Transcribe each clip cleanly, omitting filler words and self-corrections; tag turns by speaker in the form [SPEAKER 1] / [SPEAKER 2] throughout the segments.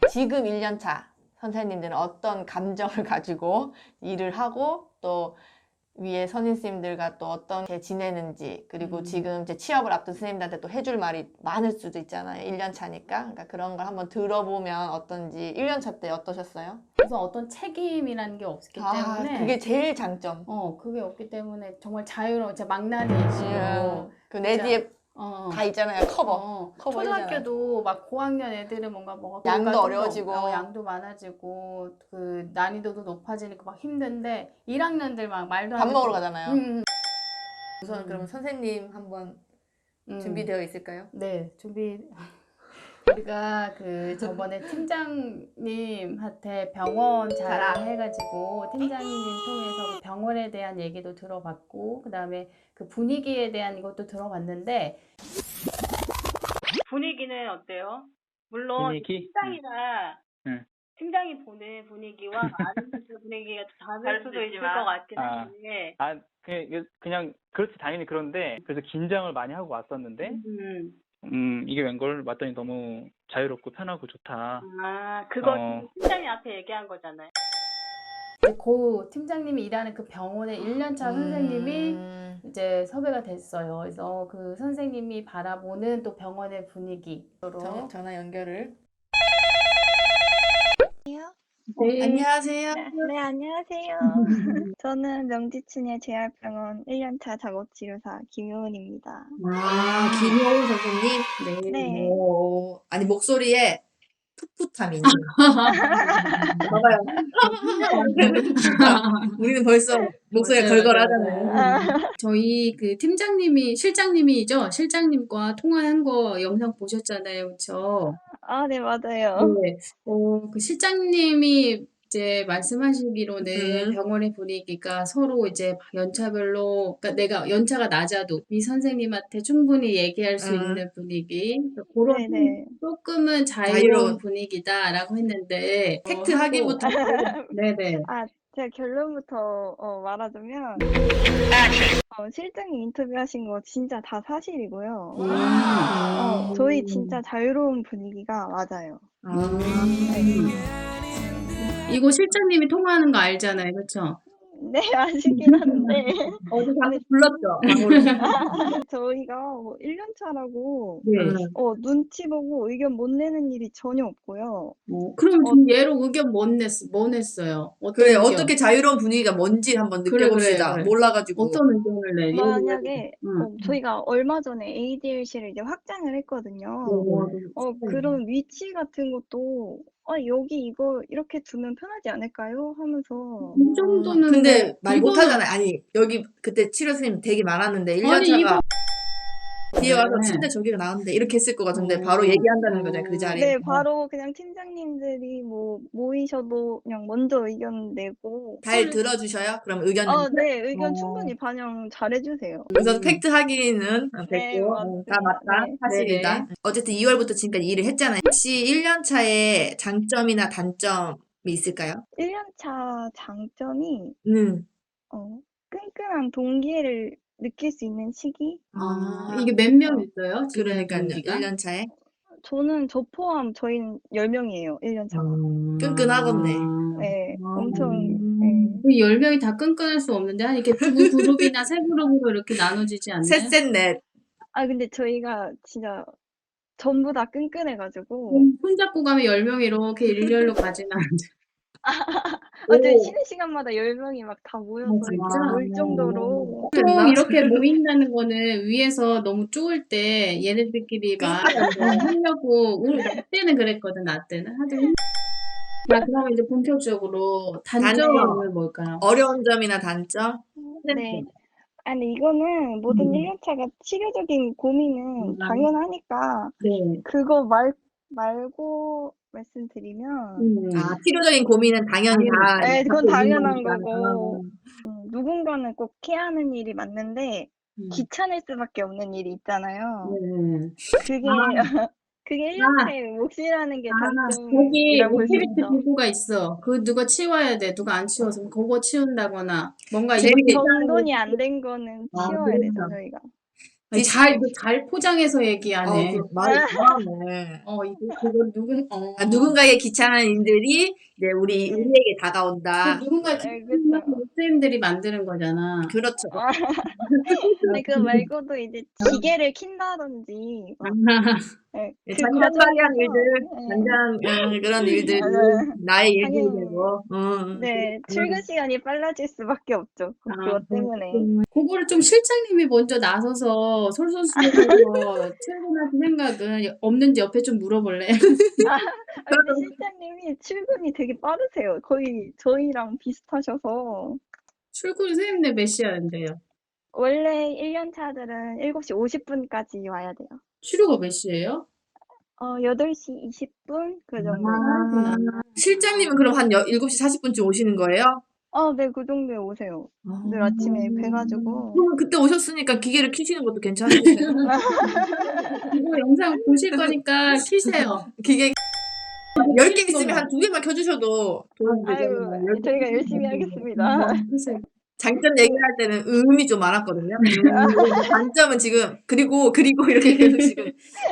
[SPEAKER 1] 지금 1년차 선생님들은 어떤 감정을 가지고 일을 하고 또 위에 선생님들과 또 어떻게 지내는지 그리고 지금 이제 취업을 앞둔 선생님들한테 또 해줄 말이 많을 수도 있잖아요. 1년 차니까. 그러니까 그런 걸 한번 들어보면 어떤지 1년 차 때 어떠셨어요?
[SPEAKER 2] 그래서 어떤 책임이라는 게 없기 때문에
[SPEAKER 1] 그게 제일 장점.
[SPEAKER 2] 그게 없기 때문에 정말 자유로워. 진짜 망나니식으로
[SPEAKER 1] 그 내 뒤에
[SPEAKER 2] 어,
[SPEAKER 1] 다 있잖아요. 커버
[SPEAKER 2] 초등학교도 막 고학년 애들은 뭔가
[SPEAKER 1] 양도
[SPEAKER 2] 교육가 좀
[SPEAKER 1] 어려워지고
[SPEAKER 2] 더, 양도 많아지고 그 난이도도 높아지니까 막 힘든데 1학년들 막 말도 안
[SPEAKER 1] 밥
[SPEAKER 2] 듣고
[SPEAKER 1] 먹으러 가잖아요. 우선 그러면 선생님 한번 준비되어 있을까요?
[SPEAKER 2] 네, 우리가 그 저번에 팀장님한테 병원 자랑해가지고 팀장님 통해서 병원에 대한 얘기도 들어봤고 그 다음에 그 분위기에 대한 이것도 들어봤는데 분위기는 어때요? 물론
[SPEAKER 3] 분위기?
[SPEAKER 2] 팀장이나
[SPEAKER 3] 응.
[SPEAKER 2] 팀장이 보는 분위기와 아르바이트 분위기가 다를 수도 있을 것 같긴 한데
[SPEAKER 3] 그냥 그렇지 당연히 그런데 그래서 긴장을 많이 하고 왔었는데 이게 웬걸 왔더니 너무 자유롭고 편하고 좋다.
[SPEAKER 2] 그거 팀장님 앞에 얘기한 거잖아요. 고 팀장님이 일하는 그 병원의 1년차 선생님이 이제 섭외가 됐어요. 그래서 그 선생님이 바라보는 또 병원의 분위기.
[SPEAKER 1] 전화 연결을.
[SPEAKER 2] 네.
[SPEAKER 1] 안녕하세요.
[SPEAKER 4] 네, 안녕하세요. 저는 명지춘의 재활병원 1년차 작업치료사 김효은입니다.
[SPEAKER 1] 김효은 선생님.
[SPEAKER 4] 네.
[SPEAKER 1] 아니 목소리에 풋풋함이 있네요. 봐봐요. 우리는 벌써 목소리가 걸걸하잖아요.
[SPEAKER 2] 저희 그 실장님이죠? 실장님과 통화한 거 영상 보셨잖아요. 그쵸?
[SPEAKER 4] 네, 맞아요.
[SPEAKER 2] 네. 그 실장님이 이제 말씀하시기로는 병원의 분위기가 서로 이제 연차별로, 그러니까 내가 연차가 낮아도 이 선생님한테 충분히 얘기할 수 있는 분위기, 그런
[SPEAKER 4] 네네.
[SPEAKER 2] 조금은
[SPEAKER 1] 자유로운.
[SPEAKER 2] 자유로운 분위기다라고 했는데,
[SPEAKER 1] 팩트 확인부터.
[SPEAKER 2] 네네.
[SPEAKER 4] 제가 결론부터 말하자면 실장님 인터뷰하신 거 진짜 다 사실이고요. 저희 진짜 자유로운 분위기가 맞아요.
[SPEAKER 2] 이거 실장님이 통화하는 거 알잖아요. 그쵸?
[SPEAKER 4] 네, 아시긴 한데
[SPEAKER 1] 어제 방금 불렀죠.
[SPEAKER 4] 저희가 1년차라고
[SPEAKER 2] 네.
[SPEAKER 4] 눈치 보고 의견 못 내는 일이 전혀 없고요.
[SPEAKER 2] 그럼 좀 예로 의견 뭐 냈어요? 어떤
[SPEAKER 1] 그래
[SPEAKER 2] 의견?
[SPEAKER 1] 어떻게 자유로운 분위기가 뭔지 한번 느껴봅시다.
[SPEAKER 2] 그래.
[SPEAKER 1] 몰라가지고.
[SPEAKER 2] 어떤 의견을 내?
[SPEAKER 4] 만약에 저희가 얼마 전에 ADLC를 이제 확장을 했거든요. 그런 위치 같은 것도 여기 이거 이렇게 두면 편하지 않을까요? 하면서
[SPEAKER 2] 이 정도는
[SPEAKER 1] 근데 말
[SPEAKER 2] 이거는-
[SPEAKER 1] 못하잖아요. 아니 여기 그때 치료 선생님 되게 많았는데
[SPEAKER 2] 아니,
[SPEAKER 1] 1년차가 뒤에 와서
[SPEAKER 2] 네.
[SPEAKER 1] 침대 저기가 나왔는데 이렇게 했을 것 같은데 바로 얘기한다는 거잖아요. 그 자리에.
[SPEAKER 4] 네, 바로 그냥 팀장님들이 뭐 모이셔도 그냥 먼저 의견 내고
[SPEAKER 1] 잘 들어주셔요? 그럼 의견
[SPEAKER 4] 네, 의견 충분히 반영 잘해주세요.
[SPEAKER 1] 우선 팩트 확인은
[SPEAKER 4] 네,
[SPEAKER 1] 됐고
[SPEAKER 4] 맞습니다.
[SPEAKER 1] 다 맞다
[SPEAKER 4] 네.
[SPEAKER 1] 사실이다. 어쨌든 2월부터 지금까지 일을 했잖아요. 혹시 1년차의 장점이나 단점이 있을까요?
[SPEAKER 4] 1년차 장점이 끈끈한 동기를 느낄 수 있는 시기?
[SPEAKER 2] 이게 몇 명 있어요? 지금
[SPEAKER 1] 그러니까요.
[SPEAKER 2] 동기가?
[SPEAKER 1] 1년차에
[SPEAKER 4] 저는 저 포함 저희는 10명이에요. 1년차가.
[SPEAKER 1] 끈끈하겠네.
[SPEAKER 4] 네, 엄청 네.
[SPEAKER 2] 그 10명이 다 끈끈할 수 없는데 한 이렇게 두 그룹이나 세 그룹으로 이렇게 나눠지지 않나요?
[SPEAKER 1] 셋셋넷.
[SPEAKER 4] 근데 저희가 진짜 전부 다 끈끈해가지고
[SPEAKER 2] 손잡고 가면 10명이 이렇게 일렬로 가지는 않죠.
[SPEAKER 4] 저희 쉬는 시간마다 10명이 막 다 모여서
[SPEAKER 2] 진짜?
[SPEAKER 4] 놀 정도로
[SPEAKER 2] 보통 이렇게 모인다는 거는 위에서 너무 쪼을 때 얘네들끼리 막 하려고 우리 나 때는 그랬거든. 나 때는 하여튼 그러면 이제 본격적으로 단점은 뭘까요?
[SPEAKER 1] 어려운 점이나 단점?
[SPEAKER 4] 네. 아니 이거는 모든 1년차가 치료적인 고민은 당연하니까
[SPEAKER 2] 네.
[SPEAKER 4] 그거 말고 말씀드리면
[SPEAKER 1] 치료적인 고민은 당연히 다
[SPEAKER 4] 네, 그건
[SPEAKER 1] 갖고 있는
[SPEAKER 4] 당연한
[SPEAKER 1] 거니까.
[SPEAKER 4] 거고 누군가는 꼭 해야 하는 일이 맞는데 귀찮을 수밖에 없는 일이 있잖아요. 그게 1년차의 몫이라는 게
[SPEAKER 2] 거기
[SPEAKER 4] 단점이라고 볼 수
[SPEAKER 2] 액티비티
[SPEAKER 4] 있죠.
[SPEAKER 2] 도구가 있어. 그 누가 치워야 돼. 누가 안 치워서 그거 치운다거나 뭔가
[SPEAKER 4] 정돈이 안 된 거는 치워야 되죠, 저희가.
[SPEAKER 2] 아니, 잘 포장해서 얘기하네.
[SPEAKER 5] 말이 잘하네.
[SPEAKER 2] 그건
[SPEAKER 5] 누군가의 귀찮은 일들이 이제 우리에게 다가온다.
[SPEAKER 2] 누군가
[SPEAKER 4] 네, 그쵸.
[SPEAKER 2] 목사님들이 만드는 거잖아.
[SPEAKER 5] 그렇죠.
[SPEAKER 4] 아니, 그거 말고도 이제 기계를 킨다든지, 막, 네, 그
[SPEAKER 5] 잔잔바리한
[SPEAKER 4] 과정에서,
[SPEAKER 5] 일들,
[SPEAKER 4] 네,
[SPEAKER 5] 그런 일들이
[SPEAKER 4] 맞아요.
[SPEAKER 5] 나의 일들이
[SPEAKER 4] 당연히.
[SPEAKER 5] 되고.
[SPEAKER 4] 네, 출근 시간이 빨라질 수밖에 없죠. 그것 때문에.
[SPEAKER 2] 그거를 좀 실장님이 먼저 나서서 솔솔수범해서 출근하신 생각은 없는지 옆에 좀 물어볼래?
[SPEAKER 4] 근데 실장님이 출근이 되게 빠르세요. 거의 저희랑 비슷하셔서.
[SPEAKER 2] 출근 선생님네 몇 시간인데요?
[SPEAKER 4] 원래 1년 차들은 7시 50분까지 와야 돼요.
[SPEAKER 2] 출근가 몇 시예요?
[SPEAKER 4] 8시 20분? 그 정도.
[SPEAKER 5] 실장님은 그럼 한 7시 40분쯤 오시는 거예요?
[SPEAKER 4] 네, 그 정도에 오세요. 늘 아침에 뵈가지고.
[SPEAKER 5] 그럼 그때 오셨으니까 기계를 켜시는 것도 괜찮으세요?
[SPEAKER 2] 이거 영상 보실 거니까 키세요.
[SPEAKER 5] 기계 10개 있으면 한 2개만 켜주셔도 도움이
[SPEAKER 4] 아이고,
[SPEAKER 5] 되잖아요.
[SPEAKER 4] 저희가 열심히 하겠습니다.
[SPEAKER 2] 키세요.
[SPEAKER 5] 장점 얘기할 때는 음이 좀 많았거든요. 단점은 지금 그리고 이렇게 계속 지금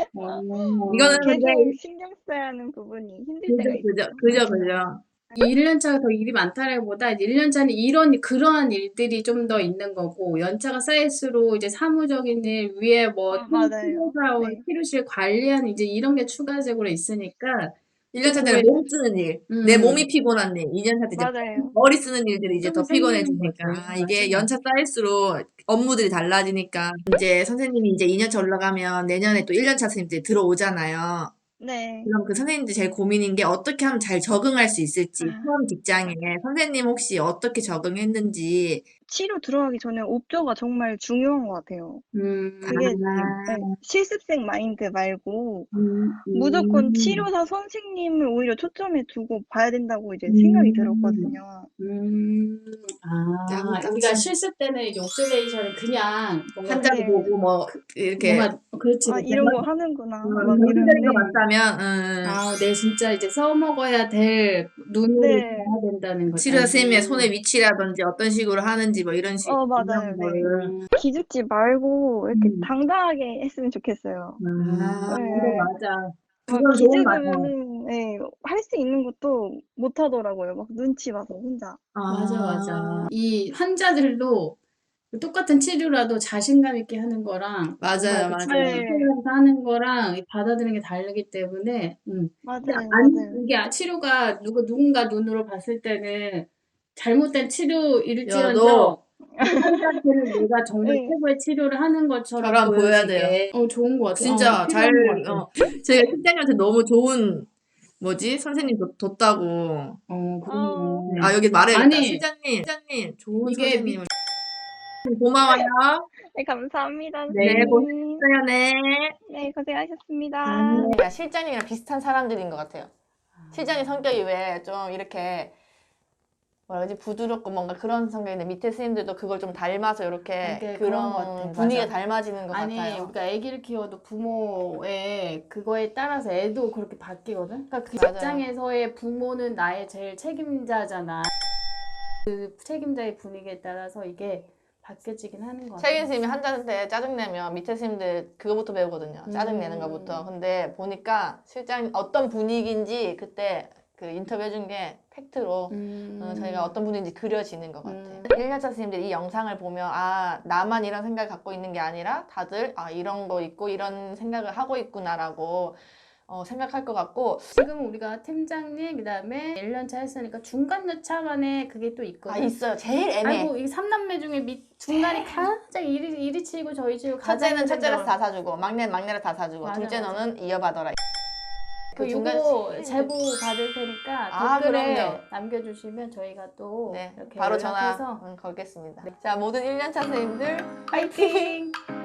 [SPEAKER 5] 이거는 근데
[SPEAKER 4] 계속 신경 써야 하는 부분이 힘들 때가 있어요.
[SPEAKER 5] 그죠.
[SPEAKER 2] 이 1년차가 더 일이 많다라기보다 이제 1년차는 그러한 일들이 좀 더 있는 거고 연차가 쌓일수록 이제 사무적인 일 위에 뭐
[SPEAKER 4] 맞아요.
[SPEAKER 2] 치료사원,
[SPEAKER 4] 네.
[SPEAKER 2] 치료실 관리하는 이제 이런 게 추가적으로 있으니까
[SPEAKER 5] 1년차 때는 몸 쓰는 일, 내 몸이 피곤한 일, 2년차 때 이제
[SPEAKER 4] 맞아요.
[SPEAKER 5] 머리 쓰는 일들이 이제 더
[SPEAKER 2] 좀 생기는
[SPEAKER 5] 피곤해지니까
[SPEAKER 2] 거죠.
[SPEAKER 5] 이게
[SPEAKER 2] 맞아요.
[SPEAKER 5] 연차 쌓일수록 업무들이 달라지니까 이제 선생님이 이제 2년차 올라가면 내년에 또 1년차 선생님들이 들어오잖아요.
[SPEAKER 4] 네.
[SPEAKER 5] 그럼 그 선생님들 제일 고민인 게 어떻게 하면 잘 적응할 수 있을지 처음 직장에 선생님 혹시 어떻게 적응했는지
[SPEAKER 4] 치료 들어가기 전에 옵저가 정말 중요한 것 같아요. 그게 네, 실습생 마인드 말고 무조건 치료사 선생님을 오히려 초점에 두고 봐야 된다고 이제 생각이 들었거든요.
[SPEAKER 2] 우리가 실습 때는 이제 옵저베이션을 그냥 뭔가
[SPEAKER 5] 환자도
[SPEAKER 4] 네.
[SPEAKER 5] 보고 뭐 이렇게
[SPEAKER 2] 뭔가 그렇지.
[SPEAKER 4] 이런 거 하는구나. 막
[SPEAKER 5] 병실적인
[SPEAKER 4] 이러는데.
[SPEAKER 5] 거 맞다면
[SPEAKER 2] 내 진짜 이제 써먹어야 될 눈으로
[SPEAKER 4] 네.
[SPEAKER 2] 봐야 된다는 거죠.
[SPEAKER 5] 치료 선생님의 손의 위치라든지 어떤 식으로 하는지 뭐 이런 식
[SPEAKER 4] 맞아요.
[SPEAKER 5] 이런
[SPEAKER 4] 네.
[SPEAKER 5] 거를
[SPEAKER 4] 기죽지 말고 이렇게 당당하게 했으면 좋겠어요.
[SPEAKER 5] 네.
[SPEAKER 2] 맞아.
[SPEAKER 5] 그건 좋은 것 같아요.
[SPEAKER 4] 기죽으면은 할 수 있는 것도 못 하더라고요. 막 눈치 봐서 혼자.
[SPEAKER 2] 맞아. 이 환자들도 똑같은 치료라도 자신감 있게 하는 거랑
[SPEAKER 5] 맞아요.
[SPEAKER 2] 하면서 하는 거랑 받아들이는 게 다르기 때문에
[SPEAKER 4] 맞아요.
[SPEAKER 2] 이게 치료가 누군가 눈으로 봤을 때는 잘못된 치료일지언정
[SPEAKER 5] 여도
[SPEAKER 2] 환자들은 내가 정말 최고의 치료를 하는 것처럼
[SPEAKER 5] 저랑 보여야
[SPEAKER 2] 보여지게. 좋은 것 같아요.
[SPEAKER 5] 진짜 잘
[SPEAKER 2] 필요한 것 같아요.
[SPEAKER 5] 제가 실장님한테 너무 좋은 선생님 뒀다고.
[SPEAKER 2] 그럼요.
[SPEAKER 5] 여기 말해야겠다.
[SPEAKER 2] 아니,
[SPEAKER 5] 실장님 좋은
[SPEAKER 2] 이게
[SPEAKER 5] 선생님을 고마워요.
[SPEAKER 4] 네, 감사합니다.
[SPEAKER 5] 네,
[SPEAKER 4] 선생님.
[SPEAKER 5] 고생했어요. 네.
[SPEAKER 4] 네, 고생하셨습니다.
[SPEAKER 1] 그러니까 실장님이랑 비슷한 사람들인 것 같아요. 실장님 성격이 왜 좀 이렇게 뭐라 그러지 부드럽고 뭔가 그런 성격인데 밑에 선생님들도 그걸 좀 닮아서 이렇게
[SPEAKER 2] 그런
[SPEAKER 1] 그런
[SPEAKER 2] 것 같아.
[SPEAKER 1] 분위기가
[SPEAKER 2] 맞아.
[SPEAKER 1] 닮아지는 것 같아요.
[SPEAKER 2] 우리가 아기를 키워도 부모의 그거에 따라서 애도 그렇게 바뀌거든. 그러니까 그
[SPEAKER 1] 맞아요.
[SPEAKER 2] 입장에서의 부모는 나의 제일 책임자잖아. 그 책임자의 분위기에 따라서 이게 바뀌어지긴 하는 것 같아요.
[SPEAKER 1] 책임 선생님이 환자한테 짜증내면 밑에 선생님들 그거부터 배우거든요. 짜증내는 것부터. 근데 보니까 실장 어떤 분위기인지 그때 그 인터뷰 해준 게 팩트로 저희가 어떤 분인지 그려지는 것 같아요. 1년차 선생님들이 이 영상을 보면 나만 이런 생각을 갖고 있는 게 아니라 다들 이런 거 있고 이런 생각을 하고 있구나라고 생각할 것 같고
[SPEAKER 2] 지금 우리가 팀장님 그다음에 1년차 했으니까 중간 여차간에 그게 또 있거든.
[SPEAKER 1] 있어요. 제일 애매해.
[SPEAKER 2] 아이고 이 3남매 중에 중간이 가장 이리 치고 저리 치고
[SPEAKER 1] 첫째는 첫째라서 다 사주고 막내는 막내라 다 사주고
[SPEAKER 2] 맞아,
[SPEAKER 1] 둘째
[SPEAKER 2] 맞아.
[SPEAKER 1] 너는 이어받아라.
[SPEAKER 2] 이거 제보 받을 테니까 댓글에
[SPEAKER 1] 그럼요.
[SPEAKER 2] 남겨주시면 저희가 또
[SPEAKER 1] 네,
[SPEAKER 2] 이렇게
[SPEAKER 1] 바로
[SPEAKER 2] 연락해서
[SPEAKER 1] 전화 걸겠습니다. 자, 모든 1년차 선생님들
[SPEAKER 2] 파이팅!